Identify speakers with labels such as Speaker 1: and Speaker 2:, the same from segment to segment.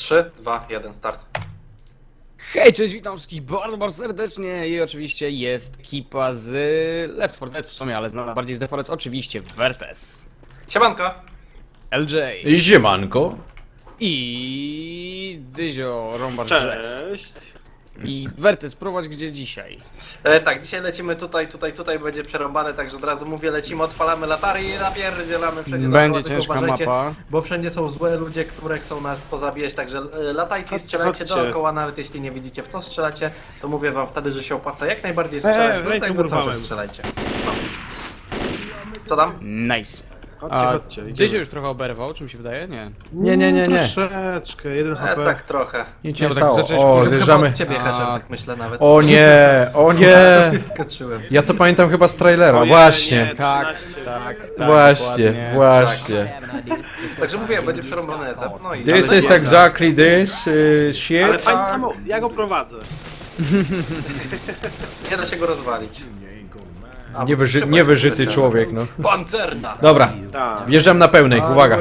Speaker 1: 3, 2, 1, start.
Speaker 2: Hej, cześć, witam wszystkich bardzo serdecznie i oczywiście jest ekipa z Left 4 Dead w sumie, ale znana bardziej z The Forest, oczywiście Wertes,
Speaker 1: Siemanko!
Speaker 2: LJ
Speaker 3: Ziemanko.
Speaker 2: i Dyzio Rombar
Speaker 4: Cześć.
Speaker 2: i Wertes, prowadź gdzie dzisiaj?
Speaker 1: Tak, dzisiaj lecimy tutaj będzie przerąbane, także od razu mówię, lecimy, odpalamy latary i napierdzielamy wszędzie
Speaker 2: Będzie
Speaker 1: dookoła, tylko
Speaker 2: ciężka
Speaker 1: uważajcie,
Speaker 2: mapa.
Speaker 1: bo wszędzie są złe ludzie, które chcą nas pozabijać, także latajcie i strzelajcie
Speaker 4: chodźcie.
Speaker 1: dookoła, nawet jeśli nie widzicie w co strzelacie, to mówię wam wtedy, że się opłaca jak najbardziej strzelać,
Speaker 4: rękę
Speaker 1: dlatego cały czas
Speaker 4: urwałem.
Speaker 1: strzelajcie. No. Co tam?
Speaker 2: Nice.
Speaker 4: Chodźcie,
Speaker 2: Dyzio
Speaker 4: idziemy.
Speaker 2: już trochę oberwał, czy mi się wydaje? Nie.
Speaker 3: Nie.
Speaker 4: Troszeczkę, 1 HP.
Speaker 1: Tak trochę.
Speaker 3: Nic
Speaker 2: Nie,
Speaker 3: nie
Speaker 2: bo tak
Speaker 3: stało.
Speaker 2: zaczęliśmy-
Speaker 3: O,
Speaker 2: Chyba
Speaker 3: zjeżdżamy.
Speaker 1: Chyba od ciebie,
Speaker 2: A.
Speaker 1: Hesher, tak myślę nawet.
Speaker 3: O nie, o nie.
Speaker 1: Skoczyłem.
Speaker 3: Ja to pamiętam chyba z trailera,
Speaker 4: O nie,
Speaker 3: właśnie.
Speaker 4: nie.
Speaker 2: Tak,
Speaker 4: 13.
Speaker 2: tak,
Speaker 3: Właśnie,
Speaker 2: dokładnie.
Speaker 3: właśnie.
Speaker 1: Także mówię, będzie przerąbany etap, no i...
Speaker 3: This
Speaker 1: ale
Speaker 3: is
Speaker 1: nie-
Speaker 3: exactly this
Speaker 4: Ale
Speaker 3: shit.
Speaker 4: fajny samochód, ja go prowadzę.
Speaker 1: Nie da się go rozwalić. A, trzeba
Speaker 3: Niewyżyty
Speaker 1: się
Speaker 3: człowiek, no.
Speaker 1: Pancerna!
Speaker 3: Dobra,
Speaker 4: Tak.
Speaker 3: wjeżdżam na pełnej, uwaga.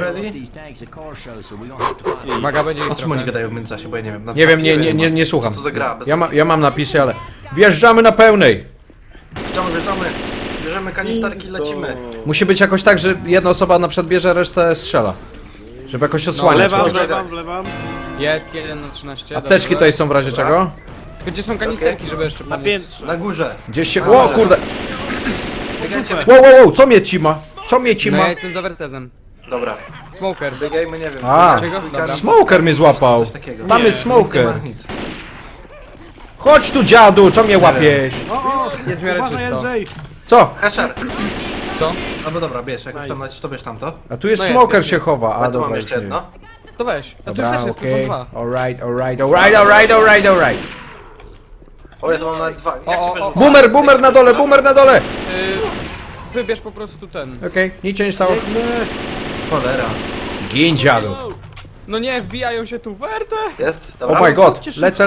Speaker 2: Uwaga, będzie ich
Speaker 1: O czym oni
Speaker 2: trochę.
Speaker 1: gadają w międzyczasie, bo ja nie wiem.
Speaker 3: Nie wiem, nie słucham.
Speaker 1: Co to za gra? Bez
Speaker 3: Ja mam napisy, ale... Wjeżdżamy na pełnej.
Speaker 1: Wjeżdżamy. Bierzemy kanisterki, lecimy.
Speaker 3: Musi być jakoś tak, że jedna osoba na przykład bierze, resztę strzela. Żeby jakoś odsłaniać.
Speaker 4: Wlewam,
Speaker 3: kogoś.
Speaker 4: wlewam.
Speaker 2: Jest 1 na 13.
Speaker 3: Apteczki
Speaker 2: dobrze.
Speaker 3: tutaj są w razie czego?
Speaker 2: Gdzie są kanisterki, żeby jeszcze
Speaker 4: Na
Speaker 2: pomóc?
Speaker 4: piętrze.
Speaker 1: Na górze.
Speaker 3: Gdzieś się... O kurde!
Speaker 1: Biegajcie.
Speaker 3: Wow, co mnie cima? Co mnie
Speaker 2: No
Speaker 3: cima?
Speaker 2: ja jestem za Wertezem.
Speaker 1: Dobra.
Speaker 2: Smoker.
Speaker 1: Biegajmy, nie wiem.
Speaker 3: A,
Speaker 2: Czego? Dobra.
Speaker 3: smoker mnie złapał.
Speaker 1: Coś takiego.
Speaker 3: Mamy
Speaker 1: Nie
Speaker 3: smoker.
Speaker 1: ma nic.
Speaker 3: Chodź tu dziadu, co mnie łapiesz?
Speaker 4: O,
Speaker 2: Jest w miarę
Speaker 4: uważaj,
Speaker 2: czysto.
Speaker 4: LJ.
Speaker 3: Co?
Speaker 1: Hasher.
Speaker 2: Co?
Speaker 1: No bo dobra, bierz. Jak już tam
Speaker 4: Nice.
Speaker 1: lecisz, to bierz tamto.
Speaker 3: A tu jest
Speaker 2: No jest,
Speaker 3: smoker
Speaker 2: jest,
Speaker 3: się
Speaker 2: jest.
Speaker 3: chowa.
Speaker 1: A
Speaker 3: A
Speaker 1: tu mam
Speaker 3: dobra,
Speaker 1: jeszcze
Speaker 3: już nie.
Speaker 1: jedno.
Speaker 2: To weź. A tu
Speaker 3: Dobra,
Speaker 2: też jest, tu są
Speaker 3: okej.
Speaker 2: dwa.
Speaker 3: Alright.
Speaker 1: O, ja tu mam nawet dwa. Jak
Speaker 2: O,
Speaker 1: ci
Speaker 2: o,
Speaker 1: wyrzucę?
Speaker 3: Boomer na dole.
Speaker 2: Wybierz po prostu ten.
Speaker 3: Okej, nic się nie stało.
Speaker 1: Cholera.
Speaker 3: Gin dziadu.
Speaker 2: No nie, wbijają się tu Werte!
Speaker 1: Jest? Dobra.
Speaker 3: Oh my god,
Speaker 4: chodźcie
Speaker 3: lecę.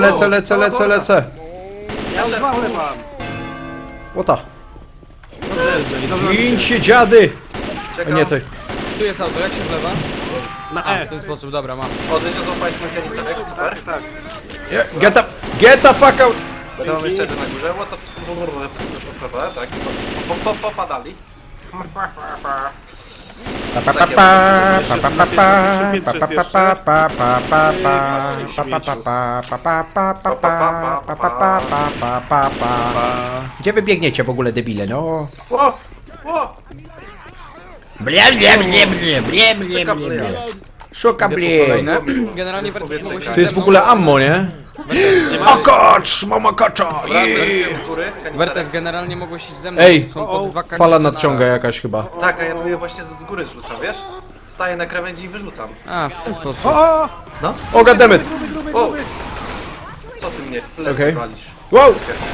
Speaker 1: Ja też.
Speaker 4: Wlewam.
Speaker 3: Łota.
Speaker 4: Dobrze, LJ.
Speaker 3: Gin się dziady. A
Speaker 1: Czekam.
Speaker 3: nie, to...
Speaker 2: Tu jest auto, jak się wlewa?
Speaker 4: Na
Speaker 2: A,
Speaker 4: E.
Speaker 2: w ten sposób, dobra, mam.
Speaker 1: O, Dyzio, złapałeś mój kanisterek, super.
Speaker 4: Tak.
Speaker 3: Get the fuck out.
Speaker 1: Będę mam jeszcze jeden na górze. What the f... Tak. Popadali.
Speaker 3: Gdzie wy biegniecie w ogóle, debile, no?
Speaker 1: O! O! Czeka playa.
Speaker 3: Szuka blie.
Speaker 2: Kolejne. Generalnie Werte mogło się
Speaker 3: To jest w ogóle ammo, nie? A kacz, mama kacza!
Speaker 1: Dobra, lecimy z góry.
Speaker 2: Wertes
Speaker 1: Kanisterek.
Speaker 2: generalnie mogło się ze mną.
Speaker 3: Ej,
Speaker 2: są po dwa kanistry
Speaker 3: fala
Speaker 2: na
Speaker 3: nadciąga
Speaker 2: raz.
Speaker 3: jakaś chyba.
Speaker 1: Tak, a ja tu je właśnie z góry zrzucam, wiesz? Staję na krawędzi i wyrzucam.
Speaker 2: A, w ten sposób.
Speaker 3: O, goddammit!
Speaker 1: O! Co ty mnie w plecy
Speaker 3: Okej.
Speaker 1: walisz?
Speaker 3: Wow!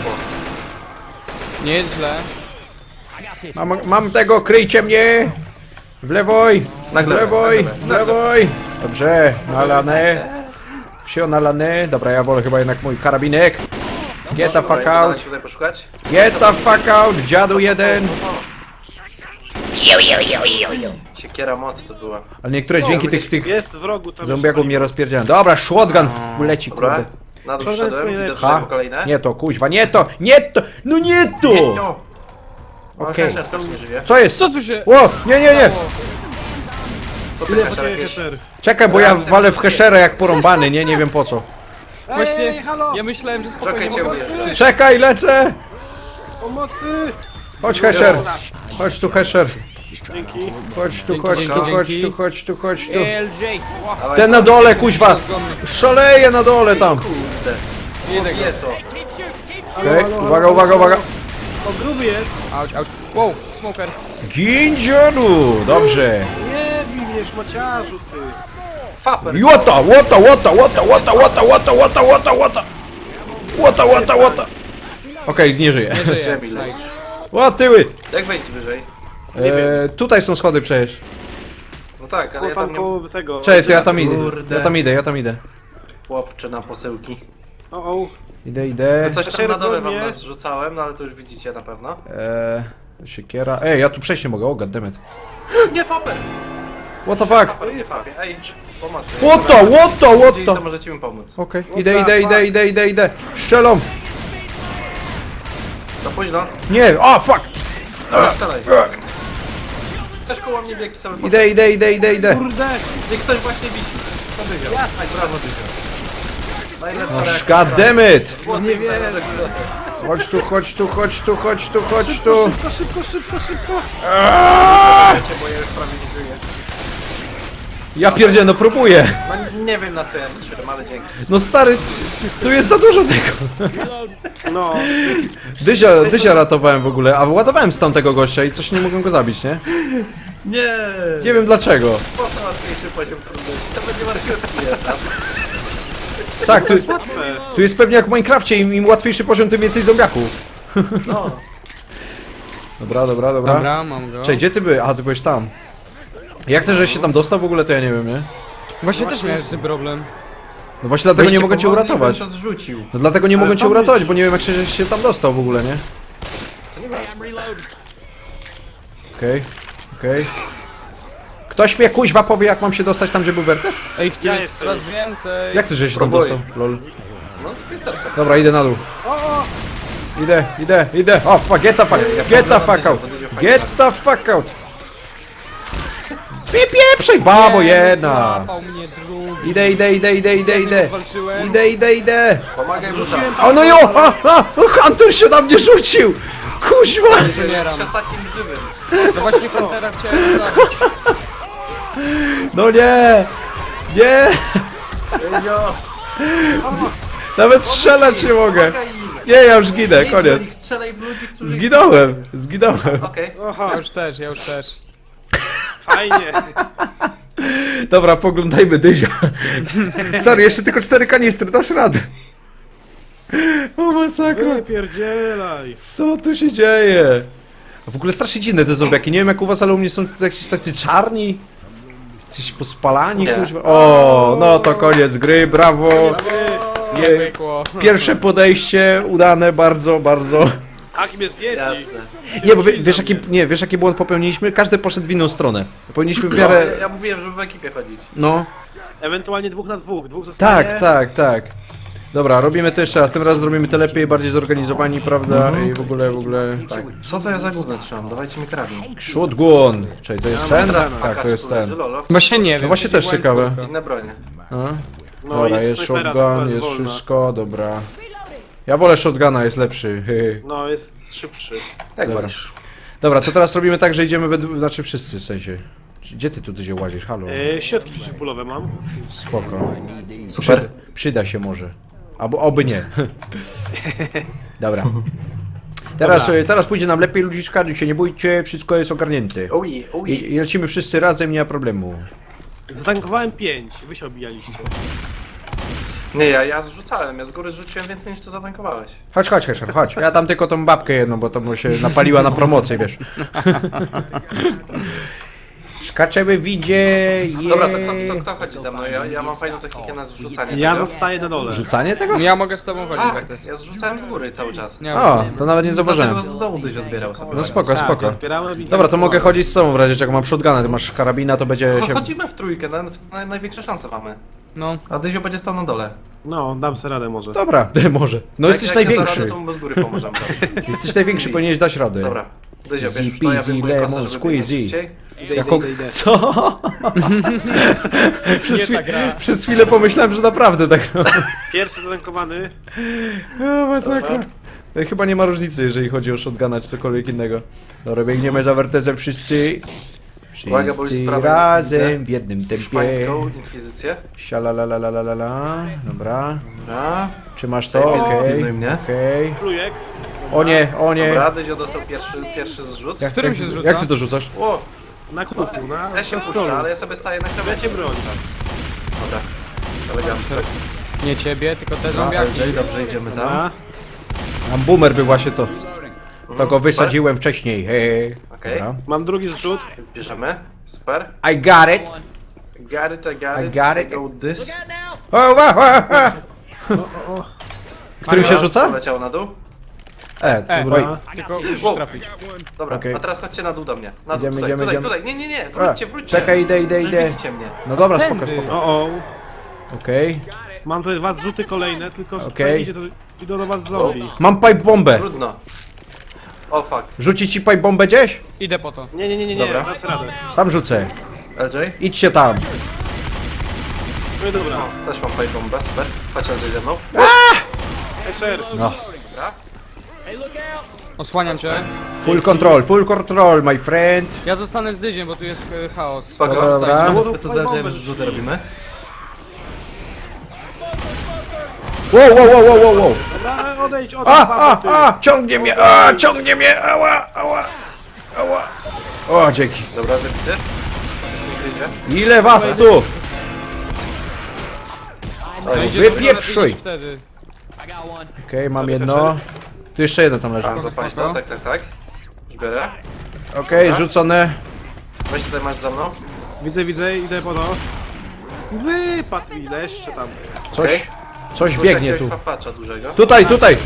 Speaker 2: Nie jest źle.
Speaker 3: Mam tego, kryjcie mnie! W lewoj! W
Speaker 1: Nagle,
Speaker 3: lewoj!
Speaker 1: nagle,
Speaker 3: W lewoj! Dobrze, nalane. Wsio nalane. Dobra, ja wolę chyba jednak mój karabinek. Get the fuck out!
Speaker 1: Tutaj poszukać.
Speaker 3: Get the fuck out! Dziadu jeden!
Speaker 1: Siekiera mocy to była.
Speaker 3: Ale niektóre dźwięki tych
Speaker 4: Jest w rogu tam.
Speaker 3: zombiaków mnie rozpierdzielają. Dobra, shotgun leci,
Speaker 1: Dobra.
Speaker 3: kurde.
Speaker 1: Na dół
Speaker 4: Co za
Speaker 1: wszedłem,
Speaker 4: twoje
Speaker 1: idę
Speaker 4: lepsze?
Speaker 1: drzewo kolejne.
Speaker 3: Nie to, kuźwa, nie to! No nie to!
Speaker 1: No.
Speaker 3: Okej.
Speaker 1: Hesher też nie żyje.
Speaker 3: Co jest?
Speaker 2: Co tu się...
Speaker 3: O! Nie!
Speaker 1: Co ty
Speaker 4: Ile
Speaker 1: Hesher
Speaker 4: poczekaj,
Speaker 1: jakieś?
Speaker 4: Hesher.
Speaker 3: Czekaj, bo ja walę w heszerę jak porąbany, nie wiem po co.
Speaker 2: Właśnie, ja myślałem, że spokojnie
Speaker 1: Czekaj, cię
Speaker 2: mogę...
Speaker 1: ujeżdżę.
Speaker 3: Czekaj, lecę!
Speaker 4: Pomocy!
Speaker 3: Chodź Hesher! Chodź tu Hesher!
Speaker 4: Dzięki.
Speaker 3: Chodź tu,
Speaker 2: Dzięki,
Speaker 3: chodź
Speaker 2: dzięki,
Speaker 3: tu, chodź
Speaker 2: dzięki.
Speaker 3: tu, chodź tu, chodź tu.
Speaker 2: LJ! Ła,
Speaker 1: Dawaj,
Speaker 3: Ten na dole, kuźwa! Szaleje na dole tam!
Speaker 1: Kurde.
Speaker 2: Jedę go.
Speaker 1: Nie to.
Speaker 3: Okej, uwaga!
Speaker 4: O, gruby jest.
Speaker 2: Auć, auć. Wow, smoker.
Speaker 3: Gin dziadu! Dobrze!
Speaker 4: Nie bij mnie, szmaciarzu, ty.
Speaker 1: Faper.
Speaker 3: Łota! Okej, nie żyje.
Speaker 2: Nie żyje.
Speaker 1: Dżemi lecisz.
Speaker 3: O, tyły!
Speaker 1: Jak wejść wyżej?
Speaker 3: Tutaj są schody przecież.
Speaker 1: No tak, ale ja
Speaker 4: Tam
Speaker 1: tam nie...
Speaker 4: koło tego.
Speaker 3: Czekaj, to ja tam idę.
Speaker 1: Kurde.
Speaker 3: Ja tam idę.
Speaker 1: Chłopcze na posyłki.
Speaker 4: O.
Speaker 3: Idę.
Speaker 1: Coś tam na dole wam
Speaker 4: mnie.
Speaker 1: nas rzucałem, no ale to już widzicie na pewno.
Speaker 3: Siekiera. Ej, ja tu przejść nie mogę, o goddammit.
Speaker 1: Nie, Faper!
Speaker 3: What the fuck?
Speaker 1: Nie fabie. Ej, pomocy.
Speaker 3: What the?
Speaker 1: Jeżeli to możecie mi pomóc.
Speaker 3: Okej, idę. Strzelam.
Speaker 1: Za późno.
Speaker 3: Nie, o fuck.
Speaker 1: Dobra, strzelaj. Ktoś koło mnie biegł sobie.
Speaker 3: Idę.
Speaker 4: Kurde!
Speaker 1: Gdzie ktoś właśnie wisi. To Dyzio. Aj, brawo Dyzio. Najlepsza
Speaker 3: Oh,
Speaker 1: reakcja.
Speaker 3: god damn it.
Speaker 1: Złoty
Speaker 4: Nie wierzę.
Speaker 1: medal.
Speaker 3: Chodź tu.
Speaker 4: Szybko!
Speaker 1: Wiecie, bo ja już prawie nie żyję.
Speaker 3: Ja pierdzielę, no próbuję.
Speaker 1: No nie wiem na co ja liczyłem, ale dzięki.
Speaker 3: No stary, tu jest za dużo tego.
Speaker 4: No,
Speaker 3: Dyzia ratowałem w ogóle, a ładowałem z tamtego gościa i coś nie mogłem go zabić, nie?
Speaker 1: Nie.
Speaker 3: Nie wiem dlaczego.
Speaker 1: Po co łatwiejszy poziom trudności? To będzie marketing.
Speaker 3: Tak,
Speaker 4: łatwe.
Speaker 3: tu jest pewnie jak w Minecrafcie, im łatwiejszy poziom, tym więcej zombiaków.
Speaker 1: No.
Speaker 3: Dobra.
Speaker 2: Dobra, mam go.
Speaker 3: Cześć, gdzie ty byłeś? A, ty byłeś tam. Jak też, żeś się tam dostał w ogóle, to ja nie wiem, nie?
Speaker 2: Właśnie też miałem z tym problem.
Speaker 3: No właśnie dlatego nie mogę cię uratować.
Speaker 1: To zrzucił.
Speaker 3: No dlatego nie mogę cię
Speaker 4: co
Speaker 3: uratować,
Speaker 4: byś-
Speaker 3: bo nie wiem jak żeś się tam dostał w ogóle, nie? Okej. Ktoś mnie kuźwa powie, jak mam się dostać tam, gdzie był Wertes?
Speaker 2: Ej, który
Speaker 4: Ja
Speaker 2: jest
Speaker 4: jestem.
Speaker 2: coraz więcej.
Speaker 3: Jak ty żeś się tam
Speaker 1: Próbuj.
Speaker 3: dostał? Lol.
Speaker 1: No sprinterka.
Speaker 3: Dobra, idę na dół. Idę. O, fuck, get the fuck out. Get the fuck out. Pieprzej, babo jedna.
Speaker 2: Złapał mnie drugi.
Speaker 3: Idę.
Speaker 2: Walczyłem.
Speaker 3: Idę.
Speaker 1: Pomagaj rzucam.
Speaker 3: O no jo! Hunter się na mnie rzucił! Kuźwa!
Speaker 1: Jesteś ostatnim żywym.
Speaker 2: No właśnie Huntera chciałem zabić.
Speaker 3: No nie! Nawet strzelać nie mogę.
Speaker 1: Pomagaj im.
Speaker 3: Nie, ja już ginę,
Speaker 1: Idź do nich,
Speaker 3: koniec.
Speaker 1: strzelaj w ludzi, którzy...
Speaker 3: Zginąłem.
Speaker 1: Okej.
Speaker 4: Aha,
Speaker 2: Ja już też.
Speaker 4: fajnie.
Speaker 3: Dobra, poglądajmy Dyzia. Stary, jeszcze tylko 4 kanistry, dasz radę. O masakra.
Speaker 4: Wypierdzielaj.
Speaker 3: Co tu się dzieje? A w ogóle strasznie dziwne te zombiaki. Nie wiem jak u was, ale u mnie są jakieś tacy czarni. Jesteś pospalani,
Speaker 1: Nie.
Speaker 3: kuźwa. O, no to koniec gry, brawo.
Speaker 2: Nie pykło.
Speaker 3: Pierwsze podejście udane, bardzo.
Speaker 4: Ak mnie zjedli.
Speaker 1: Jasne.
Speaker 3: Nie, bo wiesz jaki błąd popełniliśmy? Każdy poszedł w inną stronę. Powinniśmy w miarę...
Speaker 1: Ja mówiłem, żeby w ekipie chodzić.
Speaker 3: No,
Speaker 4: Ewentualnie 2 na 2. 2 zostanie.
Speaker 3: tak. Dobra, robimy to jeszcze raz. Tym razem zrobimy to lepiej, bardziej zorganizowani, prawda? I w ogóle...
Speaker 1: Tak. Co to ja za gówno trzymam? Dawajcie mi karabin.
Speaker 3: Shotgun! Czyli to jest ten?
Speaker 4: teraz
Speaker 3: Tak, to jest ten.
Speaker 2: Właśnie nie wiem.
Speaker 3: No właśnie też ciekawe.
Speaker 1: Inne bronie.
Speaker 3: A?
Speaker 4: No,
Speaker 3: Dobra, jest
Speaker 4: snajpera,
Speaker 3: shotgun,
Speaker 4: która
Speaker 3: jest
Speaker 4: wolna.
Speaker 3: wszystko, dobra. Ja wolę shotguna, jest lepszy.
Speaker 4: No, jest szybszy.
Speaker 1: Jak
Speaker 3: Dobra.
Speaker 1: wolisz.
Speaker 3: Dobra, to teraz robimy tak, że idziemy znaczy wszyscy w sensie. Gdzie ty tu się łazisz? Halo?
Speaker 4: Środki przeciwbólowe mam.
Speaker 3: Spoko.
Speaker 1: Super.
Speaker 3: Przyda się może. Albo oby nie. Dobra. Teraz pójdzie nam lepiej, ludziczka, się nie bójcie, wszystko jest ogarnięte.
Speaker 1: Ui.
Speaker 3: I lecimy wszyscy razem, nie ma problemu.
Speaker 4: Zatankowałem 5. Wy się obijaliście.
Speaker 1: Nie, ja zrzucałem. Ja z góry rzuciłem więcej niż ty zatankowałeś.
Speaker 3: Chodź. Ja tam tylko tą babkę jedną, bo to mu się napaliła na promocję, wiesz. Skaczemy w widzie.
Speaker 1: Dobra, to kto chodzi ze mną? Ja mam fajną technikę na zrzucanie
Speaker 4: Ja
Speaker 1: tego.
Speaker 4: zostaję na dole.
Speaker 3: Rzucanie tego?
Speaker 2: Ja mogę z tobą chodzić,
Speaker 1: Tak,
Speaker 2: Wertes.
Speaker 1: ja zrzucałem z góry cały czas.
Speaker 2: Nie
Speaker 3: O, to nawet nie
Speaker 1: Dlatego
Speaker 3: zauważyłem.
Speaker 1: z dołu Dyzio zbierał sobie.
Speaker 3: No spoko.
Speaker 4: Ja zbierałem i
Speaker 3: Dobra, to mogę chodzić z tobą w razie czego mam shotguna, ty masz karabina, to będzie się...
Speaker 1: Chodzimy w trójkę, największe szanse mamy.
Speaker 2: No.
Speaker 1: A Dyzio będzie stał na dole.
Speaker 4: No, dam sobie radę może.
Speaker 3: Dobra, może. No
Speaker 1: Jak
Speaker 3: jesteś
Speaker 1: nie da
Speaker 3: największy.
Speaker 1: rady, to mu z góry pomożemy.
Speaker 3: Jesteś największy, powinieneś dać radę.
Speaker 1: Dobra. Dyzio,
Speaker 3: Easy
Speaker 1: wiesz, to ja
Speaker 3: peasy,
Speaker 1: wyjmuję kosę,
Speaker 3: lemon
Speaker 1: żeby
Speaker 3: squeezy.
Speaker 1: biegać szybciej.
Speaker 4: Idę.
Speaker 3: Co?
Speaker 2: Nie ta gra.
Speaker 3: Przez chwilę pomyślałem, że naprawdę tak.
Speaker 4: Pierwszy zatankowany.
Speaker 3: O, masakra. Chyba nie ma różnicy, jeżeli chodzi o shotguna czy cokolwiek innego. Dobra, biegniemy za Wertezem wszyscy.
Speaker 1: Uwaga, bo już
Speaker 3: Wszyscy
Speaker 1: sprawę
Speaker 3: razem
Speaker 1: widzę.
Speaker 3: w jednym tempie.
Speaker 1: Hiszpańską inkwizycję.
Speaker 3: Sialalalalala. Dobra.
Speaker 1: Dobra.
Speaker 3: Czy masz to? Okej.
Speaker 1: Pilnuj mnie.
Speaker 3: Okej.
Speaker 4: Plujek.
Speaker 3: O nie.
Speaker 1: Dobra, Dyzio dostał pierwszy zrzut.
Speaker 2: Jak którym się zrzuca?
Speaker 3: Jak ty to rzucasz?
Speaker 1: O,
Speaker 4: Na kuku, na
Speaker 1: ja się
Speaker 4: scrollu.
Speaker 1: puszczę, ale ja sobie staję na
Speaker 4: Ja
Speaker 1: krawędzi.
Speaker 4: cię bronię.
Speaker 1: Dobra. Elegancko.
Speaker 2: Nie ciebie, tylko te zombiaki.
Speaker 1: Dobrze, idziemy tam.
Speaker 4: A?
Speaker 3: Tam boomer był właśnie to. To go
Speaker 1: super.
Speaker 3: wysadziłem wcześniej. Hej.
Speaker 1: Okej.
Speaker 3: Dobra.
Speaker 4: Mam drugi zrzut.
Speaker 1: Bierzemy. Super.
Speaker 3: I got it.
Speaker 1: Got it,
Speaker 3: I got it.
Speaker 1: Go this.
Speaker 3: O. Którym się rzuca?
Speaker 1: Poleciał na dół.
Speaker 3: Oj.
Speaker 2: Tylko musisz
Speaker 1: Wow.
Speaker 2: trafić.
Speaker 1: Dobra,
Speaker 3: Okej.
Speaker 1: a teraz chodźcie na dół do mnie. Na dół,
Speaker 3: Idziemy,
Speaker 1: tutaj,
Speaker 3: idziemy,
Speaker 1: tutaj,
Speaker 3: idziemy.
Speaker 1: tutaj. Nie, wróćcie, wróćcie.
Speaker 3: Czekaj, idę.
Speaker 1: Przecież widzicie mnie.
Speaker 3: No dobra, spoko,
Speaker 2: Tędy.
Speaker 3: spoko.
Speaker 4: O,
Speaker 3: Okej.
Speaker 4: mam tutaj 2 zrzuty kolejne, tylko że
Speaker 3: Okej.
Speaker 4: tutaj idzie, to idą do was zombie.
Speaker 3: Mam pipe bombę.
Speaker 1: Trudno. O fuck.
Speaker 3: Rzucić ci pipe bombę gdzieś?
Speaker 2: Idę po to.
Speaker 4: Nie,
Speaker 1: Dobra.
Speaker 4: dam sobie radę.
Speaker 3: Tam rzucę.
Speaker 1: LJ?
Speaker 3: Idźcie tam.
Speaker 4: No i dobra.
Speaker 1: O, też mam pipe bombę, super. Chodź LJ ze mną.
Speaker 4: Esher,
Speaker 3: No.
Speaker 1: Dobra.
Speaker 2: Osłaniam cię.
Speaker 3: Full control, my friend.
Speaker 2: Ja zostanę z dyziem, bo tu jest chaos.
Speaker 1: Spoko.
Speaker 3: Dobra.
Speaker 1: My tu z LJ rzuty robimy.
Speaker 3: Wow.
Speaker 4: dobra, odejdź,
Speaker 3: Ciągnie mnie, ała. O, dzięki.
Speaker 1: Dobra, zabity. Coś mi gryzie.
Speaker 3: Ile was tu?
Speaker 2: No idzie
Speaker 3: Wypieprzuj.
Speaker 2: iść wtedy.
Speaker 3: Okej, mam jedno. Tu jeszcze jedno tam leży.
Speaker 1: A, złapałeś to? Tak. Już biorę.
Speaker 3: Okej, rzucone.
Speaker 1: Weź tutaj masz za mną.
Speaker 4: Widzę, idę po to. Wypadł mi jeszcze tam.
Speaker 1: Okej.
Speaker 3: Coś
Speaker 1: Słyszę
Speaker 3: biegnie
Speaker 1: jakiegoś
Speaker 3: tu.
Speaker 1: Fapacza dużego.
Speaker 3: Tutaj.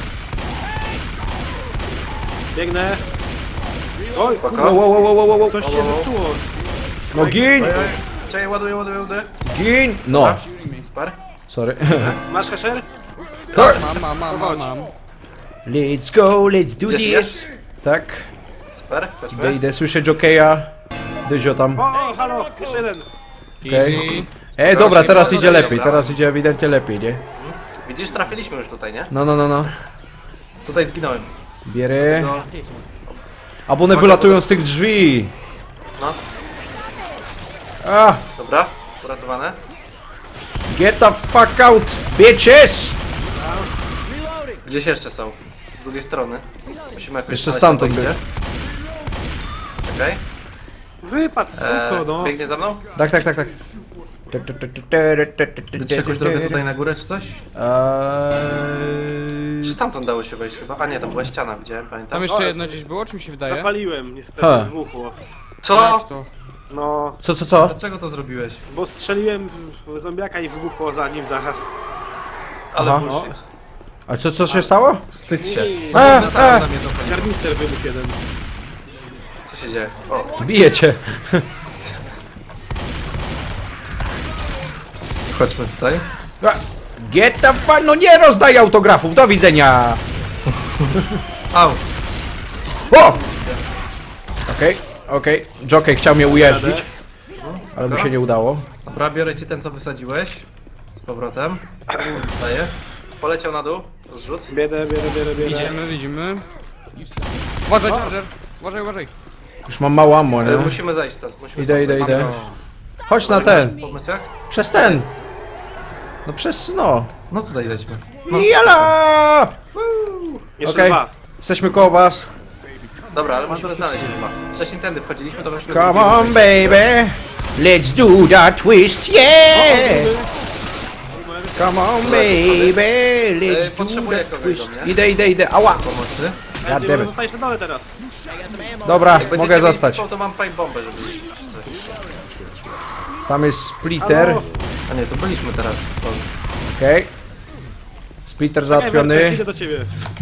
Speaker 4: Biegnę. Oj,
Speaker 1: Spoko.
Speaker 3: Wow.
Speaker 4: coś się zepsuło.
Speaker 3: No gin!
Speaker 1: Czekaj, ładuję.
Speaker 3: Gin! No.
Speaker 1: Super.
Speaker 3: Sorry.
Speaker 4: Masz Esher?
Speaker 2: Mam.
Speaker 3: Let's go, let's do
Speaker 1: Gdzieś
Speaker 3: this.
Speaker 1: jest?
Speaker 3: Tak.
Speaker 1: Super, chodźmy.
Speaker 3: Idę, słyszę jokeja. Dyzio tam.
Speaker 4: O, halo, jeszcze jeden.
Speaker 3: Okej.
Speaker 2: Easy.
Speaker 3: Dobra, teraz
Speaker 1: Dobra,
Speaker 3: idzie lepiej,
Speaker 1: dobra.
Speaker 3: teraz idzie ewidentnie lepiej, nie?
Speaker 1: Widzisz, trafiliśmy już tutaj, nie?
Speaker 3: No.
Speaker 1: Tutaj zginąłem.
Speaker 3: Bierę.
Speaker 1: No,
Speaker 3: Albo one wylatują z tych drzwi.
Speaker 1: no.
Speaker 3: Ah,
Speaker 1: Dobra, uratowane.
Speaker 3: get the fuck out, bitches!
Speaker 1: Gdzieś jeszcze są. Z drugiej strony. Musimy jakoś
Speaker 3: Jeszcze
Speaker 1: znaleźć,
Speaker 3: stamtąd
Speaker 1: kto to
Speaker 3: by.
Speaker 1: idzie. Okej.
Speaker 4: Wypadł, suko, no.
Speaker 1: Biegnie za mną?
Speaker 3: Tak.
Speaker 1: Widzicie jakąś drogę tutaj na górę, czy coś? Czy stamtąd dało się wejść chyba? A nie, tam była ściana, widziałem, pamiętam.
Speaker 2: Tam jeszcze jedno gdzieś było, czy mi się wydaje?
Speaker 4: Zapaliłem, niestety,
Speaker 3: Ha.
Speaker 4: wybuchło.
Speaker 1: Co?
Speaker 2: Jak to?
Speaker 4: No,
Speaker 3: Co?
Speaker 1: Dlaczego to zrobiłeś?
Speaker 4: bo strzeliłem w zombiaka i wybuchło za nim zaraz.
Speaker 1: Ale
Speaker 3: Aha.
Speaker 1: bullshit.
Speaker 3: A co się stało?
Speaker 1: Wstydź się.
Speaker 3: A,
Speaker 1: Wysadzam na mnie to.
Speaker 4: Karnister wybuchł jeden.
Speaker 1: Co się dzieje? O,
Speaker 3: Bijecie.
Speaker 1: chodźmy tutaj.
Speaker 3: Get the fuck, no nie rozdaj autografów, do widzenia!
Speaker 1: Au!
Speaker 3: O! Okej. Jockey chciał mnie ujeździć, ale mu się nie udało.
Speaker 1: Dobra, biorę ci ten, co wysadziłeś. Z powrotem. Daję. Poleciał na dół. Zrzut.
Speaker 4: Biedę.
Speaker 2: Widzimy. Uważaj, Charger. Uważaj.
Speaker 3: Już mam mało ammo, nie?
Speaker 1: Musimy zejść stąd. Musimy
Speaker 3: Idę.
Speaker 1: stąd wejść.
Speaker 3: Chodź na ten.
Speaker 1: Pomysł jak?
Speaker 3: Przez ten. No przez, no.
Speaker 1: No tutaj zejdźmy.
Speaker 3: Jala!
Speaker 4: Jeszcze
Speaker 3: Okej.
Speaker 4: 2.
Speaker 3: Jesteśmy koło was.
Speaker 1: Dobra, ale musimy znaleźć chyba. Wcześniej tędy wchodziliśmy, to weźmy...
Speaker 3: Come on, baby. Let's do that twist, yeah! Come on, baby. Let's do
Speaker 1: Potrzebuję
Speaker 3: that
Speaker 1: kogoś
Speaker 3: twist.
Speaker 1: do mnie.
Speaker 3: Idę. Ała!
Speaker 1: Pomocy.
Speaker 3: Goddammit.
Speaker 4: Zostajesz na dole teraz.
Speaker 3: Dobra,
Speaker 1: Jak będziecie
Speaker 3: mogę
Speaker 1: mieli
Speaker 3: zostać.
Speaker 1: typą, to mam pipe bombę, żeby iść, czy coś.
Speaker 3: Tam jest splitter.
Speaker 4: Halo?
Speaker 1: A nie, to byliśmy teraz. To...
Speaker 3: Okej. Splitter
Speaker 4: Vertex,
Speaker 3: załatwiony.
Speaker 4: idę do ciebie.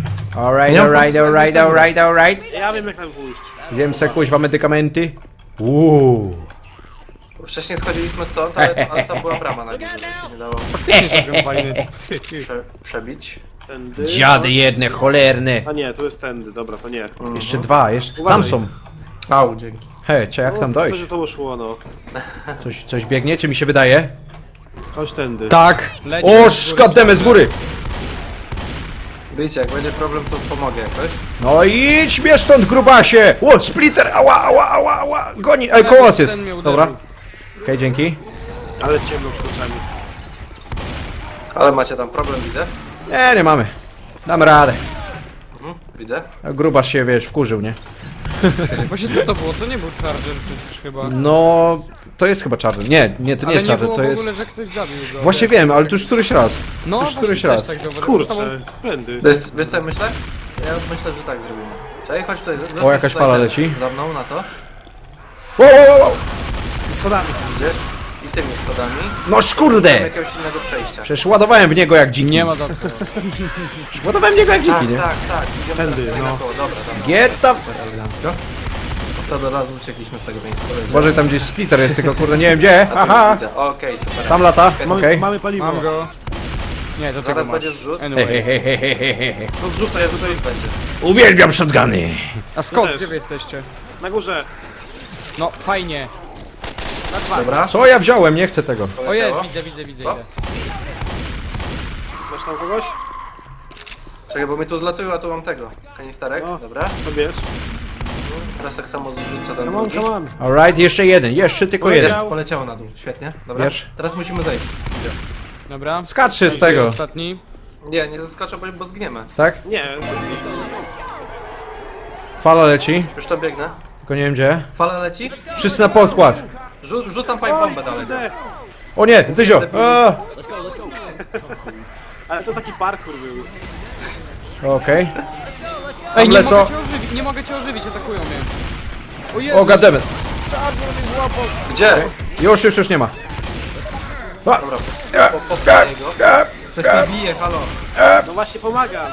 Speaker 3: Alright.
Speaker 4: Ja wiem jak tam pójść.
Speaker 3: Idziemy se kuźwa medykamenty. Uuu.
Speaker 1: Wcześniej schodziliśmy stąd, ale to była brama na górze, że się nie dało
Speaker 2: Fajny.
Speaker 1: przebić.
Speaker 4: Tędy.
Speaker 3: Dziady jedne, cholerne.
Speaker 4: A nie, tu jest tędy, dobra, to nie.
Speaker 3: Jeszcze dwa, jeszcze. Tam
Speaker 4: Uważaj.
Speaker 3: są.
Speaker 1: Au, dzięki.
Speaker 3: Hej, jak tam
Speaker 4: Co,
Speaker 3: dojść?
Speaker 4: że to uszło, no.
Speaker 3: Coś biegnie, czy mi się wydaje?
Speaker 4: Chodź tędy.
Speaker 3: Tak!
Speaker 2: Leci
Speaker 3: O,
Speaker 2: z góry.
Speaker 3: szkademy z góry!
Speaker 1: Wiecie, jak będzie problem, to pomogę jakoś.
Speaker 3: No idź mnie stąd, grubasie! O, splitter! Ała! Goni! Ej, koło was jest!
Speaker 2: Ten mnie uderzył.
Speaker 3: Dobra. Okej, dzięki.
Speaker 4: Ale ciemno przed oczami.
Speaker 1: Ale macie tam problem, widzę.
Speaker 3: Nie mamy. Damy radę.
Speaker 1: Widzę.
Speaker 3: A grubasz się, wiesz, wkurzył, nie?
Speaker 2: Właśnie co to było? To nie był Charger przecież chyba.
Speaker 3: No... To jest chyba Charger. Nie, to nie
Speaker 2: Ale
Speaker 3: jest Charger,
Speaker 2: było
Speaker 3: to
Speaker 2: w
Speaker 3: jest...
Speaker 2: ogóle, że ktoś zabił go.
Speaker 3: Właśnie wiem, ale to już któryś raz.
Speaker 2: No,
Speaker 3: już
Speaker 2: właśnie
Speaker 3: któryś
Speaker 2: też
Speaker 3: raz.
Speaker 2: Tak zauważyłem.
Speaker 4: Kurczę, tędy.
Speaker 1: To jest, wiesz co ja myślę? Ja myślę, że tak zrobimy. Czekaj, chodź tutaj.
Speaker 3: O, jakaś fala leci.
Speaker 1: Za mną na to.
Speaker 3: Wow!
Speaker 4: Schodami.
Speaker 1: Idziesz? I tymi schodami.
Speaker 3: No
Speaker 1: Szukam
Speaker 3: szkurde!
Speaker 1: jakiegoś innego przejścia.
Speaker 3: Przecież ładowałem w niego jak dziki.
Speaker 2: Nie ma za co.
Speaker 3: Ładowałem w niego jak dziki,
Speaker 1: Tak,
Speaker 3: nie?
Speaker 1: tak, tak. Idziemy
Speaker 4: Tędy,
Speaker 1: teraz tutaj
Speaker 4: no.
Speaker 1: naokoło. Dobra, dobra.
Speaker 3: Get tam!
Speaker 1: Elegancko. To do razu uciekliśmy z tego miejsca.
Speaker 3: Boże, tam gdzieś splitter jest, tylko kurde nie wiem gdzie.
Speaker 1: A tu
Speaker 3: Aha!
Speaker 1: już widzę. Okej, super.
Speaker 3: Tam lata,
Speaker 4: Mamy,
Speaker 3: okej.
Speaker 4: mamy paliwo.
Speaker 2: Mam go. Nie, to
Speaker 1: Zaraz
Speaker 2: tego
Speaker 1: będzie
Speaker 2: masz.
Speaker 1: zrzut.
Speaker 2: Anyway.
Speaker 3: Hehehehehe.
Speaker 4: To zrzucaj tutaj
Speaker 1: Będzie.
Speaker 3: Uwielbiam shotguny!
Speaker 2: A skąd?
Speaker 4: też.
Speaker 2: Gdzie wy jesteście?
Speaker 4: na górze.
Speaker 2: No, fajnie.
Speaker 1: Dobra.
Speaker 3: Co ja wziąłem? Nie chcę tego.
Speaker 2: O jest,
Speaker 1: Poleciało.
Speaker 2: widzę,
Speaker 1: O.
Speaker 2: idę.
Speaker 4: Masz tam kogoś?
Speaker 1: Czekaj, bo mi tu zlatują, a tu mam tego. Kanisterek.
Speaker 4: O.
Speaker 1: Dobra.
Speaker 4: To bierz.
Speaker 1: Teraz tak samo zrzucę ten
Speaker 4: Come on,
Speaker 1: drugi.
Speaker 4: come on.
Speaker 3: Alright, jeszcze jeden, jeszcze tylko
Speaker 4: Poleciał.
Speaker 3: jeden.
Speaker 1: Jest, poleciało na dół. Świetnie. Dobra.
Speaker 3: Wiesz?
Speaker 1: Teraz musimy zejść.
Speaker 2: Dobra.
Speaker 3: Skacz się z tego,
Speaker 2: Ostatni.
Speaker 1: Nie, nie zaskoczę, bo zgniemy.
Speaker 3: tak?
Speaker 4: Nie,
Speaker 3: Fala leci,
Speaker 1: Już tam biegnę.
Speaker 3: tylko nie wiem gdzie.
Speaker 1: Fala leci.
Speaker 3: Wszyscy na podkład.
Speaker 1: Rzucam pipe bombę dalej.
Speaker 4: kurde.
Speaker 3: O nie, Dyzio! A!
Speaker 4: Ale to taki parkour był.
Speaker 3: Okej.
Speaker 2: Ej, nie
Speaker 3: lecą.
Speaker 2: mogę cię ożywić, nie mogę cię ożywić, atakują mnie. O Jezu,
Speaker 3: O goddammit.
Speaker 1: Gdzie?
Speaker 3: Już nie ma. A!
Speaker 1: Dobra.
Speaker 3: A!
Speaker 1: Popchnij go.
Speaker 3: A!
Speaker 1: Ktoś mnie bije, halo.
Speaker 4: No właśnie pomagam.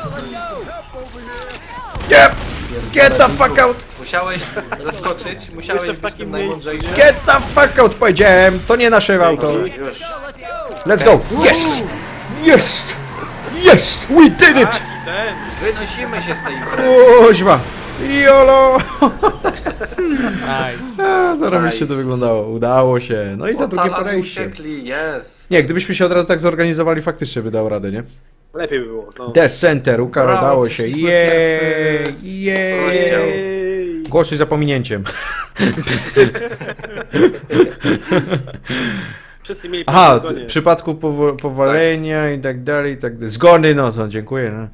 Speaker 3: Nie! Get the fuck out!
Speaker 1: Musiałeś zaskoczyć, musiałeś
Speaker 4: Jeszcze w
Speaker 1: być
Speaker 4: takim
Speaker 1: tym
Speaker 4: miejscu,
Speaker 1: najmądrzejszym.
Speaker 3: Get the fuck out powiedziałem! To nie nasze auto.
Speaker 1: Już.
Speaker 3: Let's go! Jest! Jest! Jest! We did it!
Speaker 4: Ten.
Speaker 1: Wynosimy się z tej imprezy.
Speaker 3: Kuźwa! Jolo!
Speaker 2: Nice.
Speaker 3: Zarobiście to
Speaker 1: Nice.
Speaker 3: wyglądało. Udało się. No i za drugie
Speaker 1: Ocalani
Speaker 3: podejście.
Speaker 1: uciekli, jest.
Speaker 3: Nie, gdybyśmy się od razu tak zorganizowali, faktycznie by dało radę, nie?
Speaker 4: Lepiej by było. No.
Speaker 3: Death Center,
Speaker 1: Brawo,
Speaker 3: udało się.
Speaker 1: przeszliśmy
Speaker 3: Jej!
Speaker 1: rozdział.
Speaker 3: Jej! Głosuj za pominięciem.
Speaker 4: Wszyscy mieli
Speaker 3: Aha,
Speaker 4: zgonie.
Speaker 3: w przypadku powalenia i tak dalej, zgony, no to dziękuję. No.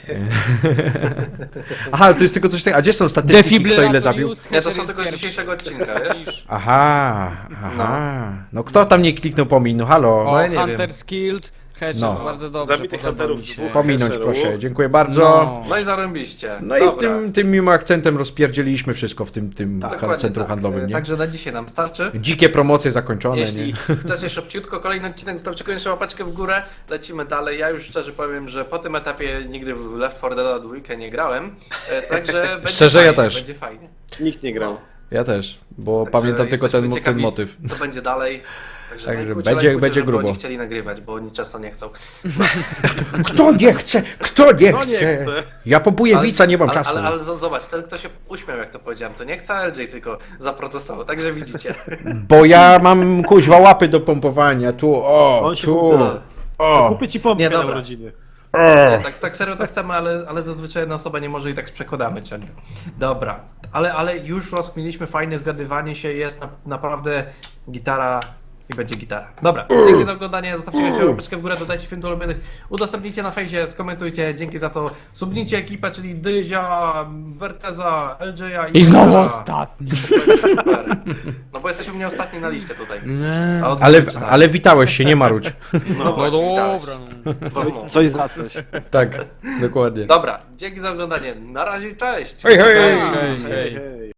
Speaker 3: Aha, to jest tylko coś takiego. A gdzie są statystyki, kto ile zabił?
Speaker 1: Nie, to są tylko z dzisiejszego odcinka, wiesz?
Speaker 3: Aha, aha. No kto tam nie kliknął pomin? No halo.
Speaker 2: O,
Speaker 1: ja nie
Speaker 2: Hunter Skilled. Headshot,
Speaker 3: No.
Speaker 2: bardzo dobrze.
Speaker 4: Zabitych
Speaker 2: podoba
Speaker 4: hunterów
Speaker 2: mi się.
Speaker 4: dwóch.
Speaker 3: Pominąć
Speaker 4: Heszeru.
Speaker 3: proszę, dziękuję bardzo.
Speaker 2: No.
Speaker 1: No i zarąbiście.
Speaker 3: No i
Speaker 1: Dobra.
Speaker 3: tym miłym akcentem rozpierdzieliliśmy wszystko w tym
Speaker 1: Dokładnie
Speaker 3: centrum
Speaker 1: tak.
Speaker 3: handlowym, nie?
Speaker 1: Także na dzisiaj nam starczy.
Speaker 3: Dzikie promocje zakończone,
Speaker 1: Jeśli
Speaker 3: nie?
Speaker 1: chcecie szybciutko kolejny odcinek, zostawcie koniecznie łapeczkę w górę. Lecimy dalej. Ja już szczerze powiem, że po tym etapie nigdy w Left 4 Dead 2 nie grałem. Także będzie
Speaker 3: Szczerze, ja
Speaker 1: fajnie,
Speaker 3: też.
Speaker 1: Będzie fajnie.
Speaker 4: Nikt nie grał.
Speaker 3: Ja też, bo
Speaker 1: Także
Speaker 3: pamiętam tylko
Speaker 1: jesteśmy
Speaker 3: ten
Speaker 1: ciekawi,
Speaker 3: motyw.
Speaker 1: Co będzie dalej. Także
Speaker 3: Także
Speaker 1: lajkujcie,
Speaker 3: będzie
Speaker 1: lajkujcie,
Speaker 3: będzie
Speaker 1: żeby
Speaker 3: grubo.
Speaker 1: Oni chcieli nagrywać, bo oni często nie chcą.
Speaker 3: Kto nie chce? Kto nie
Speaker 4: No
Speaker 3: chce?
Speaker 4: nie chce.
Speaker 3: Ja po bujewica nie mam
Speaker 1: ale,
Speaker 3: czasu.
Speaker 1: ale zobacz, ten kto się uśmiał jak to powiedziałem, to nie chce LJ, tylko zaprotestował. Także widzicie.
Speaker 3: Bo ja mam kuźwa łapy do pompowania. Tu, o,
Speaker 4: On się
Speaker 3: tu.
Speaker 4: pompa.
Speaker 3: O,
Speaker 4: Kupię ci pompkę
Speaker 1: Nie,
Speaker 4: na
Speaker 1: dobra.
Speaker 4: urodziny.
Speaker 1: Nie, tak serio to chcemy, ale zazwyczaj jedna osoba nie może i tak przekładamy ciągle. Dobra, ale już rozkminiliśmy fajne zgadywanie się, jest naprawdę gitara i będzie gitara. Dobra, dzięki za oglądanie, zostawcie łapeczkę w górę, dodajcie film do ulubionych, udostępnijcie na fejsie, skomentujcie, dzięki za to, subnijcie ekipę, czyli Dyzia, Werteza, LJ-a
Speaker 2: I znowu
Speaker 1: Izraela.
Speaker 2: ostatni.
Speaker 1: Super. No bo jesteśmy u mnie ostatni na liście tutaj. A od
Speaker 3: ale,
Speaker 1: tak.
Speaker 3: ale witałeś się, nie marudź.
Speaker 1: No
Speaker 2: No
Speaker 1: właśnie, witałeś.
Speaker 2: dobra. No.
Speaker 4: Coś za coś.
Speaker 3: Tak, dokładnie.
Speaker 1: Dobra, dzięki za oglądanie, na razie, cześć!
Speaker 3: Hej, hej!
Speaker 2: Hej, hej.
Speaker 4: Hej.